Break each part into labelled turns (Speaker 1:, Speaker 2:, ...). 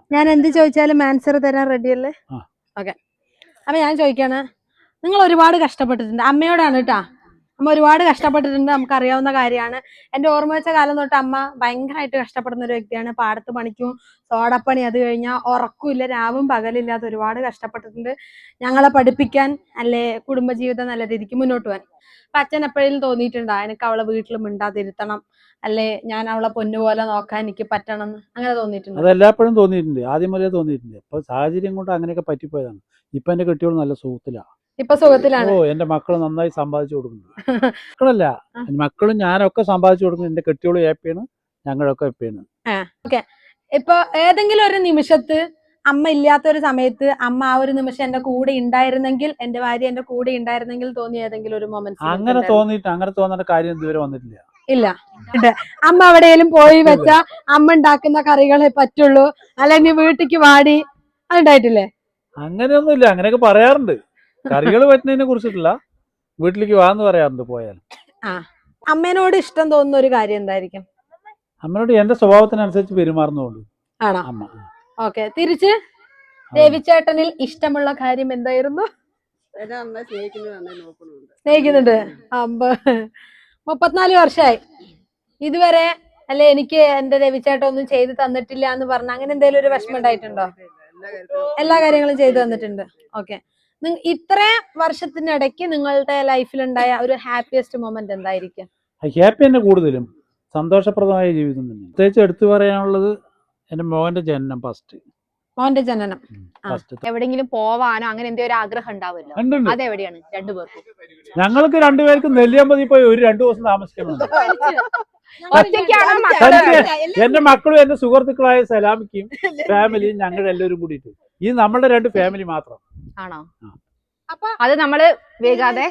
Speaker 1: ഞാൻ എന്ത് ചോദിച്ചാലും ആൻസർ തരാൻ റെഡിയല്ലേ? ഓക്കെ. അപ്പൊ ഞാൻ ചോദിക്കാണ്, നിങ്ങൾ ഒരുപാട് കഷ്ടപ്പെട്ടിട്ടുണ്ട്. അമ്മയോടാണ് കേട്ടാ. അമ്മ ഒരുപാട് കഷ്ടപ്പെട്ടിട്ടുണ്ട്, നമുക്ക് അറിയാവുന്ന കാര്യമാണ്. എന്റെ ഓർമ്മ വെച്ച കാലം തൊട്ട് അമ്മ ഭയങ്കരമായിട്ട് കഷ്ടപ്പെടുന്ന ഒരു വ്യക്തിയാണ്. പാടത്ത് പണിക്കും, തോടപ്പണി, അത് കഴിഞ്ഞാൽ ഉറക്കില്ല, രാവും പകലില്ലാതെ ഒരുപാട് കഷ്ടപ്പെട്ടിട്ടുണ്ട് ഞങ്ങളെ പഠിപ്പിക്കാൻ, അല്ലെ കുടുംബജീവിതം നല്ല രീതിക്ക് മുന്നോട്ട് പോകാൻ. അപ്പൊ അച്ഛൻ എപ്പോഴേലും തോന്നിയിട്ടുണ്ടോ എനിക്ക് അവളെ വീട്ടിൽ മിണ്ടാതിരുത്തണം, അല്ലെ ഞാൻ അവളെ പൊന്നുപോലെ നോക്കാൻ എനിക്ക് പറ്റണം എന്ന്? അങ്ങനെ തോന്നിയിട്ടുണ്ടോ?
Speaker 2: അതെല്ലാപ്പോഴും തോന്നിയിട്ടുണ്ട്, ആദ്യം മുതലേ തോന്നിയിട്ടുണ്ട്. ഇപ്പൊ സാഹചര്യം കൊണ്ട് അങ്ങനെയൊക്കെ പറ്റിപ്പോയതാണ്. ഇപ്പൊ എന്റെ കെട്ടിയോട് നല്ല സുഖത്തിലാണ്.
Speaker 1: ഇപ്പൊ സുഖത്തിലാണ്.
Speaker 2: എന്റെ മക്കള് നന്നായി സമ്പാദിച്ചു കൊടുക്കുന്നുണ്ട്. മക്കളല്ല, മക്കളും ഞാനൊക്കെ സമ്പാദിച്ചു കൊടുക്കുന്നു. എന്റെ കെട്ടിയോള് ഹാപ്പിയാണ്, ഞങ്ങളൊക്കെ ഹാപ്പിയാണ്.
Speaker 1: ഓക്കെ. ഇപ്പൊ ഏതെങ്കിലും ഒരു നിമിഷത്ത് അമ്മ ഇല്ലാത്ത ഒരു സമയത്ത് അമ്മ ആ ഒരു നിമിഷം എന്റെ കൂടെ ഉണ്ടായിരുന്നെങ്കിൽ, എന്റെ ഭാര്യ എന്റെ കൂടെ ഉണ്ടായിരുന്നെങ്കിൽ തോന്നിയ ഏതെങ്കിലും ഒരു മൊമെന്റ്?
Speaker 2: അങ്ങനെ തോന്നേണ്ട കാര്യം ഇതുവരെ വന്നിട്ടില്ല.
Speaker 1: ഇല്ല. അമ്മ എവിടെയെങ്കിലും പോയി വെച്ച അമ്മ ഉണ്ടാക്കുന്ന കറികളെ പറ്റുള്ളൂ, അല്ലെ നീ വീട്ടിക്ക് വാടി, അതുണ്ടായിട്ടില്ലേ?
Speaker 2: അങ്ങനെയൊന്നുമില്ല. അങ്ങനെയൊക്കെ പറയാറുണ്ട്. കറികൾ പറ്റുന്നതിനെ കുറിച്ചിട്ടില്ല, വീട്ടിലേക്ക് വാന്ന് പറയാറുണ്ട് പോയാൽ.
Speaker 1: അമ്മേനോട് ഇഷ്ടം തോന്നുന്ന ഒരു കാര്യം എന്തായിരിക്കും?
Speaker 2: അമ്മയോട് എന്റെ സ്വഭാവത്തിനനുസരിച്ച് പെരുമാറുന്നതുകൊണ്ട്.
Speaker 1: ആണോ? ഓക്കെ. തിരിച്ച് രവിചേട്ടനിൽ ഇഷ്ടമുള്ള കാര്യം എന്തായിരുന്നു? സ്നേഹിക്കുന്നുണ്ട്. 34 വർഷമായി ഇതുവരെ, അല്ലെ എനിക്ക് എന്റെ രവിചേട്ടൻ ഒന്നും ചെയ്തു തന്നിട്ടില്ല എന്ന് പറഞ്ഞ അങ്ങനെ എന്തെങ്കിലും ഒരു വിഷമം ഉണ്ടായിട്ടുണ്ടോ? എല്ലാ കാര്യങ്ങളും ചെയ്തു തന്നിട്ടുണ്ട്. ഓക്കെ. ഇത്ര വർഷത്തിനിടയ്ക്ക് നിങ്ങളുടെ ലൈഫിൽ ഉണ്ടായ ഒരു ഹാപ്പിയസ്റ്റ് മൊമെന്റ് എന്തായിരിക്കും?
Speaker 2: ഹാപ്പി തന്നെ, കൂടുതലും സന്തോഷപ്രദമായ ജീവിതം തന്നെ. പ്രത്യേകിച്ച് എടുത്തു പറയാനുള്ളത് എന്റെ മോന്റെ ജനനം.
Speaker 1: മോന്റെ ജനനം.
Speaker 3: എവിടെങ്കിലും പോവാനോ അങ്ങനെ എന്തെങ്കിലും ഒരു ആഗ്രഹം ഉണ്ടാവുമല്ലോ, അതെവിടെയാണ് രണ്ടുപേർക്കും?
Speaker 2: ഞങ്ങൾക്ക് രണ്ടുപേർക്കും നെല്ലിയാമ്പതി പോയി ഒരു 2 ദിവസം താമസിക്കണം. എന്റെ മക്കളും എന്റെ സുഹൃത്തുക്കളായ സലാമിക്കും ഫാമിലിയും ഞങ്ങൾ എല്ലാവരും കൂടിയിട്ട് ഈ നമ്മളുടെ 2 ഫാമിലി മാത്രം.
Speaker 3: ആണോ? അത് നമ്മള് വേഗാതെ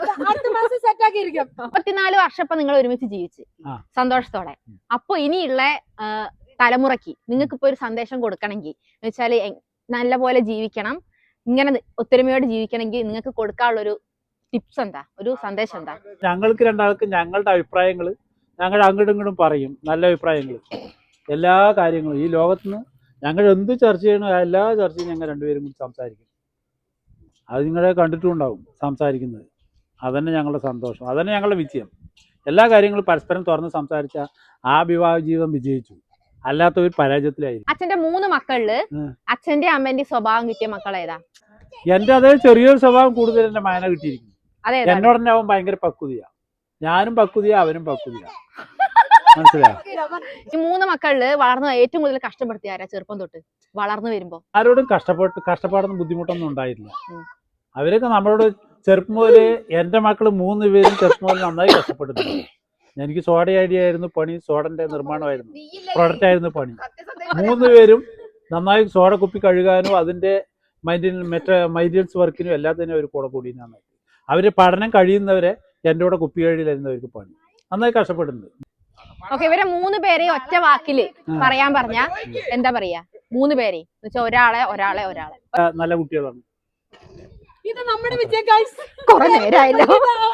Speaker 3: 34 വർഷം ഇപ്പൊ നിങ്ങൾ ഒരുമിച്ച് ജീവിച്ച് സന്തോഷത്തോടെ. അപ്പൊ ഇനിയുള്ള തലമുറയ്ക്ക് നിങ്ങൾക്ക് ഇപ്പൊ ഒരു സന്ദേശം കൊടുക്കണമെങ്കിൽ എന്ന് വെച്ചാല് നല്ല പോലെ ജീവിക്കണം, ഇങ്ങനെ ഒത്തൊരുമയോടെ ജീവിക്കണമെങ്കിൽ നിങ്ങൾക്ക് കൊടുക്കാനുള്ള ഒരു ടിപ്സ് എന്താ, ഒരു സന്ദേശം എന്താ?
Speaker 2: ഞങ്ങൾക്ക് രണ്ടാൾക്കും ഞങ്ങളുടെ അഭിപ്രായങ്ങൾ ഞങ്ങൾ അങ്ങോട്ടും ഇങ്ങോട്ടും പറയും. നല്ല അഭിപ്രായങ്ങൾ, എല്ലാ കാര്യങ്ങളും ഈ ലോകത്തുനിന്ന് ഞങ്ങൾ എന്ത് ചർച്ച ചെയ്യണോ എല്ലാ ചർച്ചയും ഞങ്ങൾ രണ്ടുപേരും കൂടി സംസാരിക്കും. അത് നിങ്ങളെ കണ്ടിട്ടുണ്ടാവും സംസാരിക്കുന്നത്. അതന്നെ ഞങ്ങളുടെ സന്തോഷം, അതന്നെ ഞങ്ങളുടെ വിജയം. എല്ലാ കാര്യങ്ങളും പരസ്പരം തുറന്ന് സംസാരിച്ച ആ വിവാഹ ജീവിതം വിജയിച്ചു, അല്ലാത്ത ഒരു പരാജയത്തിലായിരിക്കും.
Speaker 3: അച്ഛന്റെ 3 മക്കളില് അച്ഛന്റെ അമ്മന്റെ സ്വഭാവം കിട്ടിയ മക്കൾ ഏതാ?
Speaker 2: എന്റെ അതേ ചെറിയൊരു സ്വഭാവം കൂടുതൽ എന്റെ മകനെ കിട്ടിയിരിക്കുന്നു. എന്നോട് തന്നെ അവൻ ഭയങ്കര പക്വതയാ, ഞാനും പക്വതയാ, അവനും പക്വതയാ. മനസ്സിലായോ?
Speaker 3: ഈ 3 മക്കളില് വളർന്ന് ഏറ്റവും കൂടുതൽ കഷ്ടപ്പെടുത്തിയ ആരാ ചെറുപ്പം തൊട്ട് വളർന്നു വരുമ്പോ?
Speaker 2: ആരോടും കഷ്ടപ്പാടൊന്നും ബുദ്ധിമുട്ടൊന്നും ഉണ്ടായിട്ടില്ല. അവരൊക്കെ നമ്മളോട് ചെറുപ്പം മുതല്, എന്റെ മക്കള് 3 പേരും ചെറുപ്പം മുതൽ നന്നായി കഷ്ടപ്പെട്ടിട്ടുണ്ട്. എനിക്ക് സോഡ ഐഡിയ ആയിരുന്നു പണി, സോഡന്റെ നിർമ്മാണമായിരുന്നു, പ്രൊഡക്റ്റ് ആയിരുന്നു പണി. 3 പേരും നന്നായി സോഡ കുപ്പി കഴുകാനും അതിന്റെ മൈന്റനൻസ് വർക്കിനും എല്ലാത്തിനും അവർ കൂടെ കൂടി നന്നായി. അവര് പഠനം കഴിയുന്നവരെ എന്റെ കൂടെ കുപ്പി കഴുകിലായിരുന്നു അവർക്ക് പണി. നന്നായി കഷ്ടപ്പെട്ടിട്ടുണ്ട്.
Speaker 3: ഓക്കെ. ഇവരെ 3 പേരെയും ഒറ്റ വാക്കില് പറയാൻ പറഞ്ഞ എന്താ പറയാ? 3 പേരെയും ഒരാളെ
Speaker 2: നല്ല കുട്ടികളാണ്.
Speaker 1: ഇത് നമ്മുടെ വിജയം.
Speaker 3: കുറെ നേരമായല്ലോ.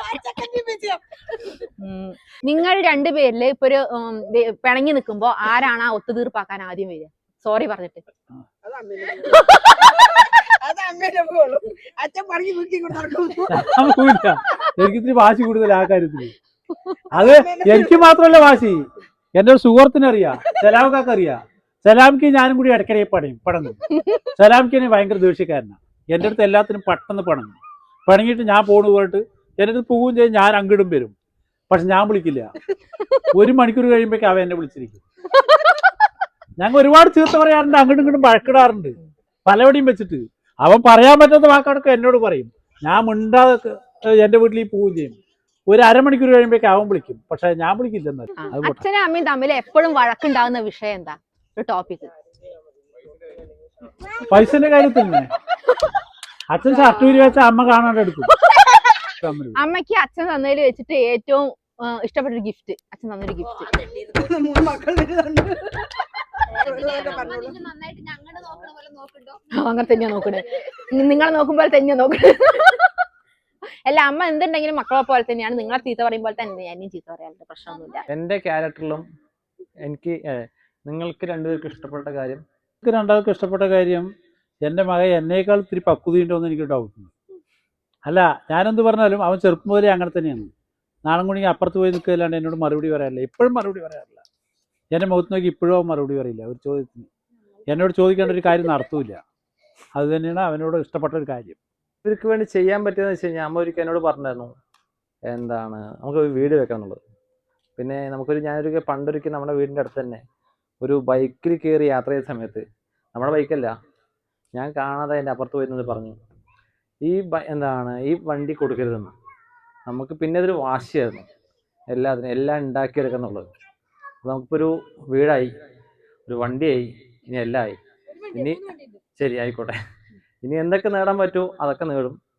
Speaker 3: നിങ്ങൾ 2 പേരില് ഇപ്പൊ ഒരു പിണങ്ങി നിൽക്കുമ്പോ ആരാണ് ആ ഒത്തുതീർപ്പാക്കാൻ ആദ്യം വരിക? സോറി പറഞ്ഞിട്ട്.
Speaker 2: എനിക്കിത്തിരി വാശി കൂടുതൽ ആ കാര്യത്തില്. അത് എനിക്ക് മാത്രമല്ല വാശി, എന്റെ ഒരു സുഹൃത്തിനറിയാം, സലാംക്കാർക്ക് അറിയാം. സലാംക്ക് ഞാനും കൂടി ഇടയ്ക്കിടെ പടങ്ങും. സലാംക്ക് ഭയങ്കര ദേഷ്യക്കാരനാണ്. എൻ്റെ അടുത്ത് എല്ലാത്തിനും പെട്ടെന്ന് പണങ്ങിയിട്ട് ഞാൻ പോണു പോയിട്ട് എൻ്റെ അടുത്ത് പോവുകയും ചെയ്യും. ഞാൻ അങ്ങോട്ടും വരും, പക്ഷെ ഞാൻ വിളിക്കില്ല. 1 മണിക്കൂർ കഴിയുമ്പോഴേക്കും അവൻ എന്നെ വിളിച്ചിരിക്കും. ഞങ്ങൾ ഒരുപാട് ചീത്ത പറയാറുണ്ട്, അങ്ങോട്ടും ഇങ്ങോട്ടും വഴക്കിടാറുണ്ട് പലവടിയും വെച്ചിട്ട്. അവൻ പറയാൻ പറ്റാത്ത വാക്കടക്കം എന്നോട് പറയും. ഞാൻ മിണ്ടാതെ എൻ്റെ വീട്ടിലേക്ക് പോവുകയും ചെയ്യും. 1 അരമണിക്കൂർ കഴിയുമ്പോഴേക്കും അവൻ വിളിക്കും, പക്ഷെ ഞാൻ വിളിക്കില്ല. എന്നാലും
Speaker 3: അച്ഛനും അമ്മയും തമ്മിൽ എപ്പോഴും വഴക്കുണ്ടാകുന്ന വിഷയം എന്താ? ഒരു ടോപ്പിക്.
Speaker 2: പൈസന്റെ കാര്യത്തിൽ തന്നെ. അച്ഛൻ ഷർട്ട് ഊരി വെച്ച അമ്മ കാണാണ്ട് എടുക്കും.
Speaker 3: അമ്മയ്ക്ക് അച്ഛൻ തന്നതിൽ വെച്ചിട്ട് ഏറ്റവും ഇഷ്ടപ്പെട്ടൊരു ഗിഫ്റ്റ്, അച്ഛൻ തന്നൊരു ഗിഫ്റ്റ്? അങ്ങനെ തന്നെയാ നോക്കണേ, നിങ്ങളെ നോക്കുമ്പോൾ തന്നെയാ നോക്കണേ. അല്ല, അമ്മ എന്തുണ്ടെങ്കിലും മക്കളെ പോലെ തന്നെയാണ്. നിങ്ങളെ ചീത്ത പറയുമ്പോൾ തന്നെ എന്നെയും ചീത്ത പറയാറുണ്ട്, പ്രശ്നമൊന്നുമില്ല.
Speaker 4: എന്റെ ക്യാരക്ടറിലും എനിക്ക് നിങ്ങൾക്ക് 2 പേർക്കും ഇഷ്ടപ്പെട്ട കാര്യം
Speaker 2: എനിക്ക് രണ്ടാൾക്കും ഇഷ്ടപ്പെട്ട കാര്യം എൻ്റെ മകൻ എന്നേക്കാൾ ഇത്തിരി പക്വതയുണ്ടോ എന്ന് എനിക്ക് ഡൗട്ടുണ്ട്. അല്ല, ഞാനെന്ത് പറഞ്ഞാലും അവൻ ചെറുപ്പം മുതലേ അങ്ങനെ തന്നെയാണ്. നാളെ കൂടി അപ്പുറത്ത് പോയി നിൽക്കുകയല്ലാണ്ട് എന്നോട് മറുപടി പറയാറില്ല. ഇപ്പോഴും മറുപടി പറയാറില്ല. എൻ്റെ മുഖത്ത് നോക്കി ഇപ്പോഴും അവൻ മറുപടി പറയില്ല ഒരു ചോദ്യത്തിന്. എന്നോട് ചോദിക്കേണ്ട ഒരു കാര്യം നടത്തൂല. അത് തന്നെയാണ് അവനോട് ഇഷ്ടപ്പെട്ട ഒരു കാര്യം.
Speaker 4: ഇവർക്ക് വേണ്ടി ചെയ്യാൻ പറ്റിയെന്ന് വെച്ച് കഴിഞ്ഞാൽ അമ്മ ഒരിക്കൽ എന്നോട് പറഞ്ഞായിരുന്നു, എന്താണ് നമുക്ക് ഒരു വീട് വെക്കണം എന്നുള്ളത്. പിന്നെ ഞാനൊരിക്കൽ പണ്ടൊരിക്കൽ നമ്മുടെ വീടിൻ്റെ അടുത്ത് തന്നെ ഒരു ബൈക്കിൽ കയറി യാത്ര ചെയ്ത സമയത്ത്, നമ്മുടെ ബൈക്കല്ല, ഞാൻ കാണാതെ അതിൻ്റെ അപ്പുറത്ത് പോയിരുന്നത് പറഞ്ഞു, ഈ വണ്ടി കൊടുക്കരുതെന്ന്. നമുക്ക് പിന്നെ അതൊരു വാശിയായിരുന്നു എല്ലാം ഉണ്ടാക്കിയെടുക്കുക എന്നുള്ളത്. നമുക്കിപ്പോൾ ഒരു വീടായി, ഒരു വണ്ടിയായി, ഇനി എല്ലാം ആയി. ഇനി ശരി ആയിക്കോട്ടെ, ഇനി എന്തൊക്കെ നേടാൻ പറ്റുമോ അതൊക്കെ നേടും.